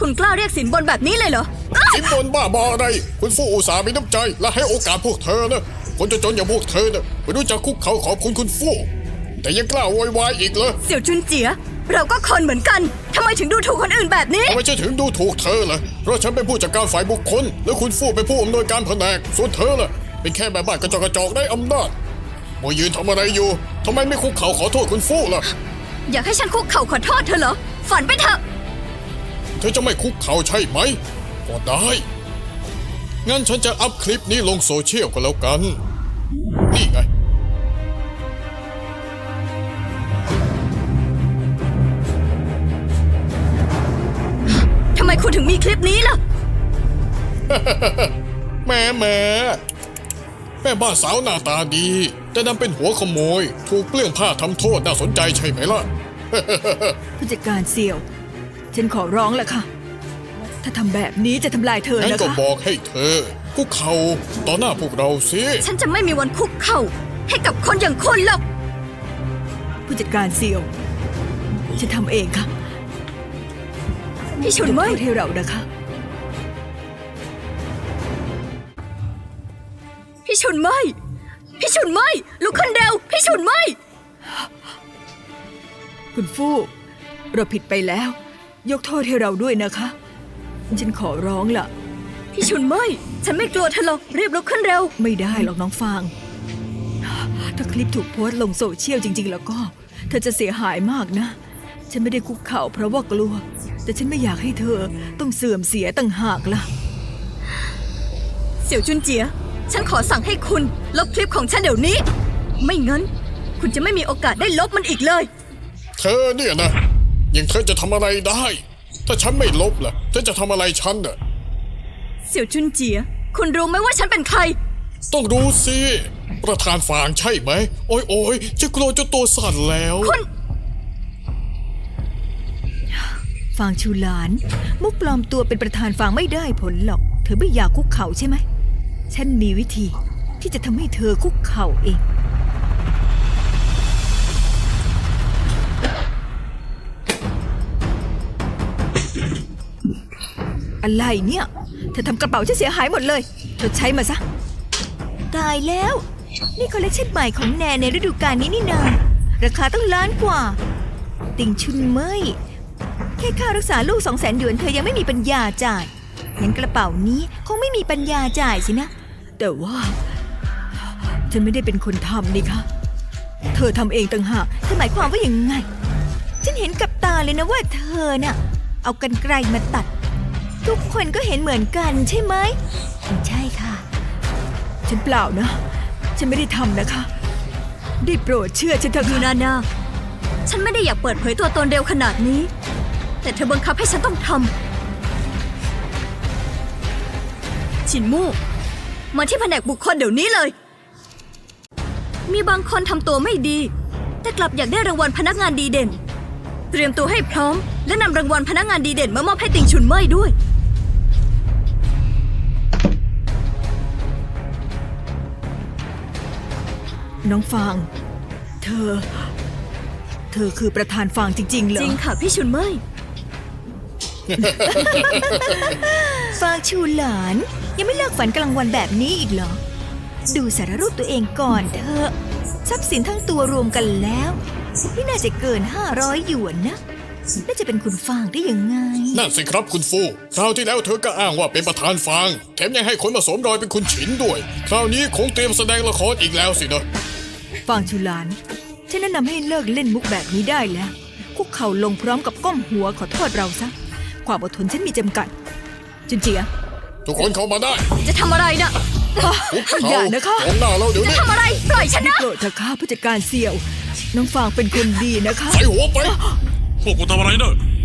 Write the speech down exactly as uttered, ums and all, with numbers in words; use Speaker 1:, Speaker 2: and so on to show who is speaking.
Speaker 1: คุณกล้าเรียกสินบนแบบนี้เลยเหรอ
Speaker 2: สินบนบ้าบออะไรคุณฟู่อุตส่าห์มีน้ำใจและให้โอกาสพวกเธอนะคนจนๆอย่างพวกเธอนะไม่รู้จักคุกเขาขอบคุณคุณฟู่แต่ยังกล้าโวยวายอีกเหรอ
Speaker 1: เสี่ยวจุนเจียเราก็คนเหมือนกันทำไมถึงดูถูกคนอื่นแบบนี้
Speaker 2: ทำไมฉันถึงดูถูกเธอล่ะเพราะฉันเป็นผู้จัดการฝ่ายบุคคลและคุณฟู่เป็นผู้อำนวยการแผนกส่วนเธอล่ะเป็นแค่แม่บ้านกระจอกกระจอกได้อำนาจมายืนทำอะไรอยู่ทำไมไม่คุกเข่าขอโทษคุณฟู่ล่ะ
Speaker 1: อยากให้ฉันคุกเข่าขอโทษเธอเหรอฝันไปเถอะ
Speaker 2: เธอจะไม่คุกเข่าใช่ไหมก็ได้งั้นฉันจะอัพคลิปนี้ลงโซเชียลก็แล้วกันนี่ไง
Speaker 1: ทำไมคุณถึงมีคลิปนี้ล่ะ
Speaker 2: แม่แม่แม่บ้านสาวหน้าตาดีแต่นำเป็นหัวขโมยถูกเปลื้องผ้าทำโทษน่าสนใจใช่ไหมล่ะ
Speaker 3: ผู้จัดการเสี่ยว ฉันขอร้องแหละค่ะ ถ้าทำแบบนี้จะทำลายเธอ
Speaker 2: งั้น
Speaker 3: นะ
Speaker 2: ก็
Speaker 3: คะ
Speaker 2: บอกให้เธอคุกเข่าต่อหน้าพวกเราสิ
Speaker 1: ฉันจะไม่มีวันคุกเข่าให้กับคนอย่างคุณหรอก
Speaker 3: ผู้จัดการเสี่ยว ฉันทำเองค่ะ
Speaker 1: พี่ชุน
Speaker 3: ยก
Speaker 1: เมย
Speaker 3: โทษให้เรานะคะ
Speaker 1: พี่ชุนเมยพี่ชุนเมยลุกขึ้นเร็วพี่ชุนเมย
Speaker 3: คุณฟู่เราผิดไปแล้ว ยกโทษให้เราด้วยนะคะ ฉันขอร้องล่ะ
Speaker 1: พี่ชุนเมยฉันไม่กลัวเธอหรอกรีบลุกขึ้นเร็ว
Speaker 3: ไม่ได้หรอกน้องฟาง ถ้าคลิปถูกโพสต์ลงโซเชียลจริง ๆ แล้วก็ เธอจะเสียหายมากนะ ฉันไม่ได้คุกเข่าเพราะว่ากลัว แต่ฉันไม่อยากให้เธอต้องเสื่อมเสียต่างหากล่ะ
Speaker 1: เสี่ยวจุนเจียฉันขอสั่งให้คุณลบคลิปของฉันเดี๋ยวนี้ ไม่งั้น คุณจะไม่มีโอกาสได้ลบมันอีกเลย
Speaker 2: เธอเนี่ยนะยังเธอจะทำอะไรได้ ถ้าฉันไม่ลบล่ะเธอจะทำอะไรฉันน่ะ
Speaker 1: เสี่ยวจุนเจียคุณรู้ไหมว่าฉันเป็นใคร
Speaker 2: ต้องรู้สิประธานฟางใช่ไหมโอ้ยโอ้ยจะกลัวจนตัวสั่นแล้ว
Speaker 1: คุณ
Speaker 3: ฟางชูหลาน มุกปลอมตัวเป็นประธานฟางไม่ได้ผลหรอก เธอไม่อยากคุกเข่าใช่ไหม ฉันมีวิธีที่จะทำให้เธอคุกเข่าเอง อะไรเนี่ย เธอทำกระเป๋าฉันเสียหายหมดเลย เธอใช้มาซะ ตายแล้ว นี่คอลเลคชันใหม่ของแนนในฤดูกาลนี้นี่นา ราคาตั้งล้านกว่า ติงชุนเมยแค่ค่ารักษาลูกสองแสนหยวนเธอยังไม่มีปัญญาจ่ายงั้นกระเป๋านี้คงไม่มีปัญญาจ่ายสินะ แต่ว่า ฉันไม่ได้เป็นคนทำนี่คะเธอทำเองต่างหากเธอหมายความว่าอย่างไง ฉันเห็นกับตาเลยนะว่าเธอน่ะ เอากรรไกรมาตัด ทุกคนก็เห็นเหมือนกันใช่ไหมใช่ค่ะ ฉันเปล่านะ ฉันไม่ได้ทำนะคะ ได้โปรดเชื่อฉันเถอะ
Speaker 1: ยู
Speaker 3: ค่ะ
Speaker 1: นานาฉันไม่ได้อยากเปิดเผยตัวตนเร็วขนาดนี้ แต่เธอบังคับให้ฉันต้องทำฉินมู่มาที่แผนกบุคคลเดี๋ยวนี้เลย มีบางคนทำตัวไม่ดี แต่กลับอยากได้รางวัลพนักงานดีเด่น เตรียมตัวให้พร้อมและนำรางวัลพนักงานดีเด่นมามอบให้ติงชุนเม่ยด้วย
Speaker 3: น้องฟาง เธอ เธอคือประธานฟางจริงๆเหรอ
Speaker 1: จริงค่ะพี่ชุนเม่ย
Speaker 3: ฟางชูหลาน ยังไม่เลิกฝันกลางวันแบบนี้อีกเหรอ ดูสารรูปตัวเองก่อนเถอะทรัพย์สินทั้งตัวรวมกันแล้วไม่น่าจะเกินห้าร้อยหยวนนะน่าจะเป็นคุณฟางได้ยังไง
Speaker 2: นั่นสิครับคุณฟูคราวที่แล้วเธอก็อ้างว่าเป็นประธานฟางแถมยังให้คนมาสวมรอยเป็นคุณฉินด้วย คราวนี้คงเตรียมแสดงละครอีกแล้วสินะ
Speaker 3: ฟางชูหลาน ฉันแนะนำให้เลิกเล่นมุกแบบนี้ได้แล้ว คุกเข่าลงพร้อมกับก้มหัวขอโทษเราซะ ความอดทนฉันมีจำกัด จุนเจีย
Speaker 2: ทุกคนเข้ามาได้
Speaker 1: จะทำอะไรนะ
Speaker 2: คุกเข่า
Speaker 3: อย่านะคะ
Speaker 2: ของหน้าเราเดี๋ยว
Speaker 1: จะ
Speaker 2: นี้
Speaker 1: ทำอะไรปล่อยฉันนะ
Speaker 3: โปรดเถอะค่ะผู้จัดการเสี่ยว น้องฟางเป็นคนดีนะคะ
Speaker 2: ใส่หัวไป
Speaker 4: พวกกูทำอะไรเนอะ